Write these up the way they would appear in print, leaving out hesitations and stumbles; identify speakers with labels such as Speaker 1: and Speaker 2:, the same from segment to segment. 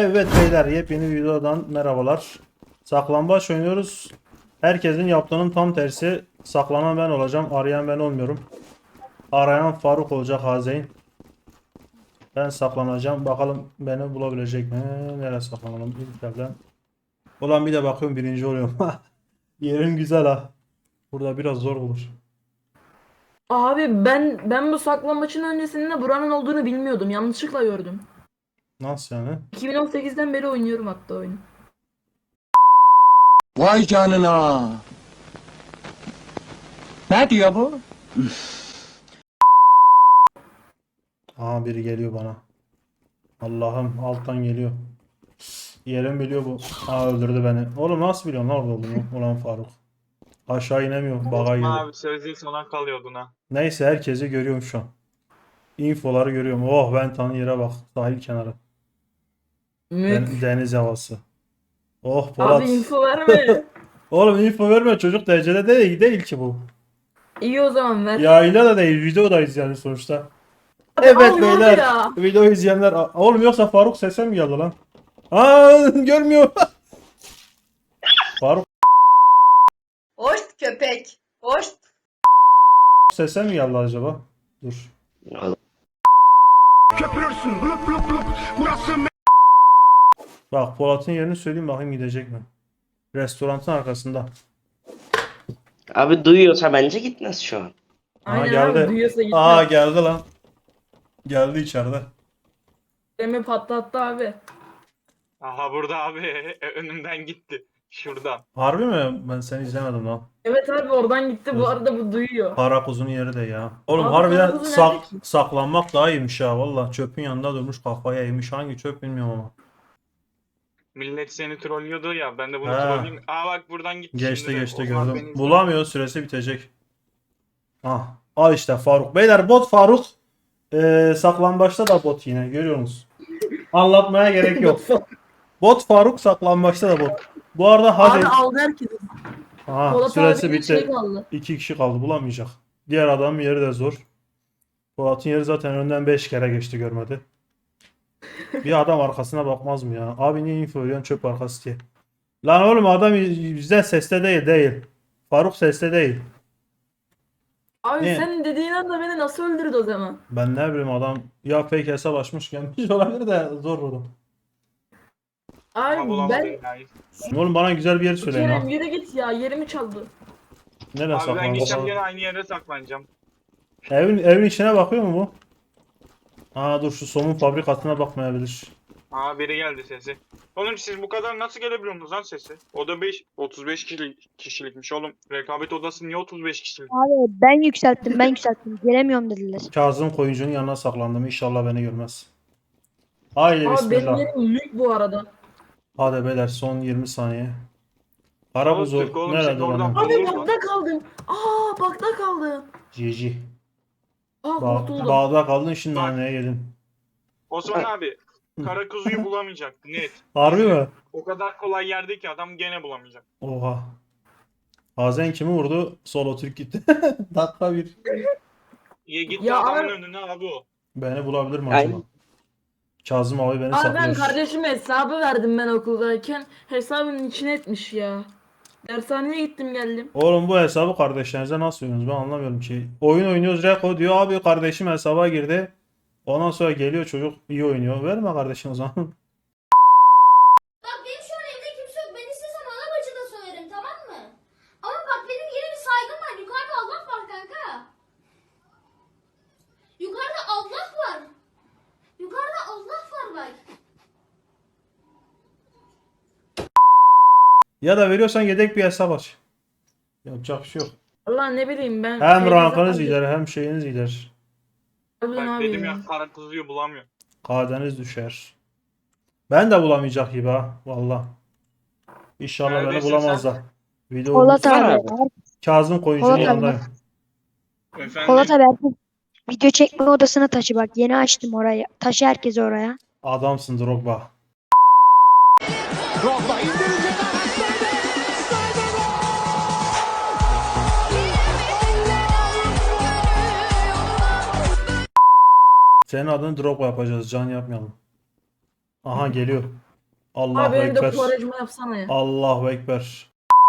Speaker 1: Evet beyler, yepyeni videodan merhabalar. Saklambaç oynuyoruz. Herkesin yaptığının tam tersi. Saklanan ben olacağım. Arayan ben olmuyorum. Arayan Faruk olacak, Hazeyn. Ben saklanacağım. Bakalım beni bulabilecek mi? Nereye saklanalım? İlk yerden. Ulan bir de bakıyorum birinci oluyorum. Yerin güzel ha. Burada biraz zor olur.
Speaker 2: Abi ben bu saklambaçın öncesinde buranın olduğunu bilmiyordum. Yanlışlıkla gördüm.
Speaker 1: Nasıl yani?
Speaker 2: 2018'den beri oynuyorum hatta oyunu.
Speaker 3: Vay canına. Ne diyor bu?
Speaker 1: Aha biri geliyor bana. Allah'ım alttan geliyor. Yerim biliyor bu. Aa öldürdü beni. Oğlum nasıl biliyorsun lan orada olduğunu? Ulan Faruk. Aşağı inemiyorum. Baga
Speaker 4: Osman
Speaker 1: girdi.
Speaker 4: abi sözlü sona kalıyordun ha.
Speaker 1: Neyse herkesi görüyorum şu an. Infoları görüyorum. Oh ben tanı yere bak. Sahil kenarı.
Speaker 2: Mük.
Speaker 1: Deniz havası. Oh
Speaker 2: Abi
Speaker 1: Polat.
Speaker 2: info verme.
Speaker 1: Oğlum info verme, çocuk derecede değil ki bu.
Speaker 2: İyi o zaman ver.
Speaker 1: Yayında da değil, videodayız yani sonuçta.
Speaker 2: Abi
Speaker 1: Evet
Speaker 2: al
Speaker 1: beyler,
Speaker 2: ya.
Speaker 1: video izleyenler. Oğlum yoksa Faruk sese mi geldi lan? Aa görmüyor. Faruk
Speaker 5: Hoş köpek. Hoş.
Speaker 1: sese mi geldi acaba? Dur.
Speaker 3: Köpürürsün. Blup blup blup. Burası
Speaker 1: Bak Polat'ın yerini söyleyeyim, bakayım gidecek mi? Restoranın arkasında.
Speaker 6: Abi duyuyorsa bence gitmez şu an.
Speaker 1: Aha
Speaker 2: Aynen
Speaker 1: geldi.
Speaker 2: abi duyuyorsa gitme.
Speaker 1: Aa geldi lan. Geldi içeride.
Speaker 2: Demi patlattı abi.
Speaker 4: Aha burada abi önümden gitti. Şuradan.
Speaker 1: Harbi mi? Ben seni izlemedim lan.
Speaker 2: Evet abi oradan gitti. Bu arada bu duyuyor.
Speaker 1: Karakuzun yeri de ya. Oğlum
Speaker 2: Abi
Speaker 1: harbiden
Speaker 2: Karakuz'un nerede ki?
Speaker 1: saklanmak daha iyiymiş ha valla. Çöpün yanında durmuş kafaya yemiş. Hangi çöp bilmiyorum ama.
Speaker 4: Millet seni trollüyordu ya. Ben de bunu
Speaker 1: He.
Speaker 4: trolleyeyim. Aa bak buradan gitti
Speaker 1: Geçti
Speaker 4: şimdi de.
Speaker 1: geçti
Speaker 4: Osman beni
Speaker 1: gördüm.
Speaker 4: izle.
Speaker 1: Bulamıyor, süresi bitecek. Ah. Al işte Faruk. Beyler bot Faruk. Saklambaçta da bot yine görüyorsunuz. Anlatmaya gerek yok. Bot Faruk, saklambaçta da bot. Bu arada
Speaker 2: Abi
Speaker 1: hadi.
Speaker 2: aldı herkesi.
Speaker 1: Aha,
Speaker 2: Polat
Speaker 1: süresi
Speaker 2: abiyle şey
Speaker 1: bitti.
Speaker 2: kaldı.
Speaker 1: 2 kişi kaldı, bulamayacak. Diğer adamın yeri de zor. Polat'ın yeri zaten önden 5 kere geçti, görmedi. Bir adam arkasına bakmaz mı ya? Abi niye info veriyorsun çöp arkası diye. Lan oğlum adam bizden seste değil. Faruk seste değil.
Speaker 2: Abi
Speaker 1: Ne?
Speaker 2: sen dediğin anda beni nasıl öldürdü o zaman?
Speaker 1: Ben ne bileyim, adam ya fake hesap açmış gelmiş olabilir de zor vurdum.
Speaker 4: Ama
Speaker 2: Abi
Speaker 4: bulamadım
Speaker 2: ben
Speaker 4: ya.
Speaker 1: Oğlum bana güzel bir yer söyleyin ha.
Speaker 2: Kerem yürü git ya, yerimi çaldı.
Speaker 1: Nereye
Speaker 4: Abi ben gideceğim
Speaker 1: saklanacağız?
Speaker 4: gene aynı yere saklanacağım.
Speaker 1: Evin içine bakıyor mu bu? Aa dur, şu somun fabrikasına bakmayabilir.
Speaker 4: Aa biri geldi sesi. Oğlum siz bu kadar nasıl gelebiliyorsunuz lan sesi? Oda 35 kişilikmiş oğlum. Rekabet odası niye 35 kişilik?
Speaker 7: Abi ben yükselttim. Gelemiyorum dediler.
Speaker 1: Kazım koyuncunun yanına saklandım. İnşallah beni görmez. Haydi
Speaker 2: Abi benim
Speaker 1: bismillah.
Speaker 2: yerim mük bu arada.
Speaker 1: Hadi beyler, son 20 saniye.
Speaker 4: Oğlum,
Speaker 1: Karabuzu
Speaker 4: oğlum,
Speaker 1: nerede
Speaker 4: seni oradan
Speaker 1: lan?
Speaker 2: Abi
Speaker 4: Olur mu?
Speaker 2: bakta kaldım. Bakta kaldım.
Speaker 1: GG.
Speaker 2: Kurtuldum.
Speaker 1: Bağda kaldın, şimdi
Speaker 4: Bak.
Speaker 1: haneye gelin.
Speaker 4: Osman abi kara kuzuyu bulamayacak net.
Speaker 1: Harbi mi?
Speaker 4: O kadar kolay yerde ki adam gene bulamayacak.
Speaker 1: Oha. Hazen kimi vurdu? Solo Türk gitti. Dakika bir.
Speaker 4: Ya gitti
Speaker 2: Ya
Speaker 4: adamın
Speaker 2: abi-
Speaker 4: önüne abi o.
Speaker 1: Beni bulabilir mi
Speaker 6: Aynen.
Speaker 1: acaba? Kazım abi beni
Speaker 2: Abi ben
Speaker 1: saklıyor.
Speaker 2: kardeşime hesabı verdim ben okuldayken. Hesabın içine etmiş ya. Dershaneye gittim geldim.
Speaker 1: Oğlum bu hesabı kardeşlerinize nasıl oynuyorsunuz? Ben anlamıyorum ki. Oyun oynuyoruz, Reko diyor abi kardeşim hesaba girdi. Ondan sonra geliyor çocuk iyi oynuyor. Verme kardeşim o zaman.
Speaker 8: Bak benim şu an evde kimse yok. Ben istesem ana bacı da söylerim, tamam mı? Ama bak benim yine bir saygım var. Yukarıda Allah var kanka. Yukarıda Allah var. Yukarıda Allah var bak.
Speaker 1: Ya da veriyorsan yedek bir hesap aç. Yapacak bir şey yok.
Speaker 2: Allah ne bileyim ben.
Speaker 1: Hem
Speaker 2: Feyza
Speaker 1: rankınız
Speaker 2: abi-
Speaker 1: gider hem şeyiniz gider.
Speaker 2: Harbiden
Speaker 4: Bak
Speaker 2: abi
Speaker 4: dedim
Speaker 2: ya.
Speaker 4: ya kara kuzuyu bulamıyor.
Speaker 1: KD'niz düşer. Ben de bulamayacak gibi ha. Valla. İnşallah beni
Speaker 4: Neredesin
Speaker 1: bulamazlar. Video
Speaker 7: Polat
Speaker 6: Var
Speaker 7: abi.
Speaker 6: abi.
Speaker 1: Kazım koyuncunun
Speaker 7: Polat abi.
Speaker 1: yanındayım.
Speaker 4: Efendim.
Speaker 7: Polat abi video çekme odasına taşı bak. Yeni açtım orayı. Taşı herkesi oraya.
Speaker 1: Adamsın Drogba.
Speaker 3: Drogba indirecek
Speaker 1: Senin adını Drogba yapacağız. Can yapmayalım. Aha geliyor. Allahu
Speaker 2: Abi benim de
Speaker 1: Ekber.
Speaker 2: Quaresma yapsana ya.
Speaker 1: Allahu Ekber.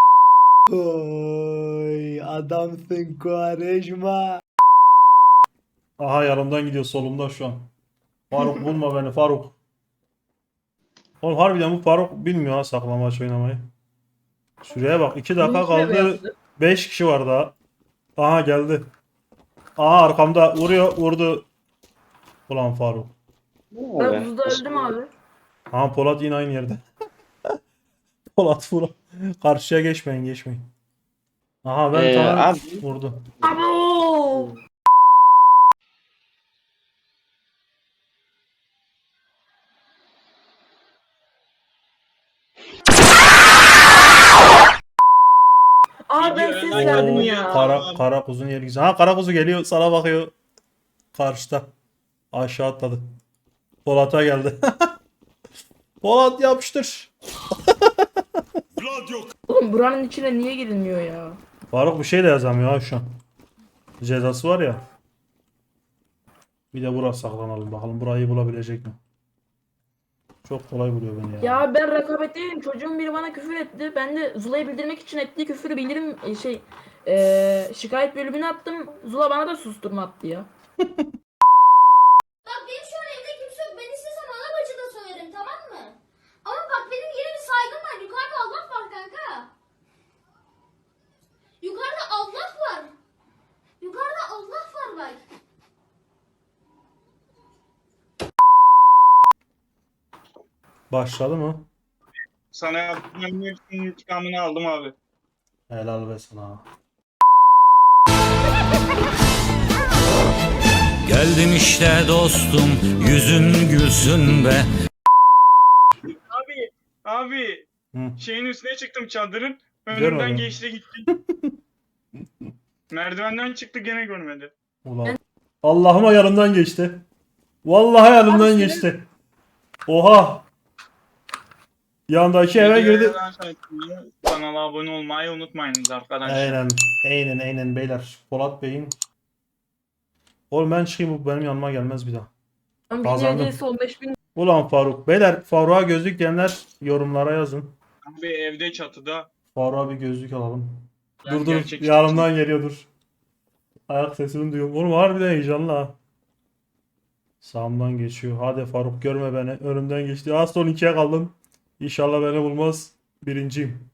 Speaker 9: Oy adamsın Quaresma.
Speaker 1: Aha yanımdan gidiyor, solumda şu an. Faruk bulma beni Faruk. Oğlum harbiden bu Faruk bilmiyor ha saklambaç oynamayı. Şuraya bak, 2 dakika
Speaker 2: Bunun içine mi
Speaker 1: kaldı.
Speaker 2: yaptı?
Speaker 1: 5 kişi var daha. Aha geldi. Aha arkamda vuruyor, vurdu. Ulan Faruk.
Speaker 2: Ben buzda öldüm abi.
Speaker 1: Aha Polat yine aynı yerde. Polat vur. Karşıya geçmeyin, geçmeyin. Aha ben tamam
Speaker 6: abi.
Speaker 1: vurdu.
Speaker 2: Abo! Abi ben ses verdim ya.
Speaker 1: Kara kuzun yeri güzel. Ha kara kuzu geliyor, sana bakıyor. Karşıda. Aşağı atladı. Polat'a geldi. Polat yapıştır.
Speaker 2: Oğlum buranın içine niye girilmiyor ya?
Speaker 1: Faruk bir şey de yazamıyor ha şu an. Cezası var ya. Bir de buraya saklanalım bakalım. Burayı bulabilecek mi? Çok kolay buluyor beni ya.
Speaker 2: Ya ben rekabetteydim. Çocuğun biri bana küfür etti. Ben de Zula'ya bildirmek için ettiği küfürü bildirim şikayet bölümüne attım. Zula bana da susturma attı ya.
Speaker 8: Bak benim şu an evde kimse yok. Ben istesem alabacı da soyarım, tamam mı? Ama bak benim yine bir saygım var. Yukarıda Allah var kanka. Yukarıda Allah var. Yukarıda Allah var bak.
Speaker 1: Başladı mı?
Speaker 4: Sana yaptığım hepsinin intikamını aldım abi.
Speaker 1: Helal be sana.
Speaker 10: Geldim işte dostum, yüzün gülsün be.
Speaker 4: Abi
Speaker 1: Hı.
Speaker 4: şeyin üstüne çıktım çadırın.
Speaker 1: Görmedim.
Speaker 4: Önümden geçti gitti. Merdivenden çıktı gene görmedi.
Speaker 1: Ulan. Allah'ıma yanımdan geçti. Vallahi yanımdan
Speaker 2: Abi
Speaker 1: geçti. Oha. Yandaki eve girdi.
Speaker 4: Kanala abone olmayı unutmayınız arkadaşlar.
Speaker 1: Aynen beyler. Polat Bey'in. Oğlum ben çıkayım, bu benim yanıma gelmez bir daha.
Speaker 2: Ben
Speaker 1: Kazandım.
Speaker 2: bildiğiniz 15.000
Speaker 1: Ulan Faruk. Beyler Faruk'a gözlük diyenler yorumlara yazın.
Speaker 4: Abi evde çatıda.
Speaker 1: Faruk'a bir gözlük alalım.
Speaker 4: Yani
Speaker 1: Dur
Speaker 4: gerçek
Speaker 1: yanımdan geliyor dur. Ayak sesini duyuyorum. Oğlum harbiden heyecanlı ha. Sağımdan geçiyor. Hadi Faruk görme beni. Önümden geçti. Az son 2'ye kaldım. İnşallah beni bulmaz. Birinciyim.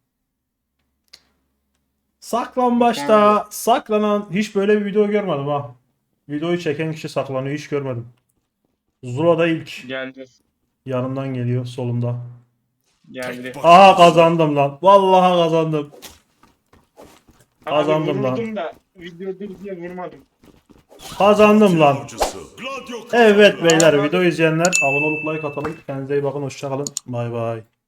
Speaker 1: Saklambaçta saklanan hiç böyle bir video görmedim ha. Videoyu çeken kişi saklanıyor, hiç görmedim. Zula'da ilk
Speaker 4: Geldi.
Speaker 1: yanımdan geliyor, solumda.
Speaker 4: Geldi.
Speaker 1: Aha kazandım lan. Vallahi kazandım. Kazandım
Speaker 4: Abi
Speaker 1: lan.
Speaker 4: vuruldum da videoda diye vurmadım.
Speaker 1: Kazandım lan. Evet beyler, video izleyenler abone olup like atalım. Kendinize iyi bakın, hoşça kalın. Bay bay.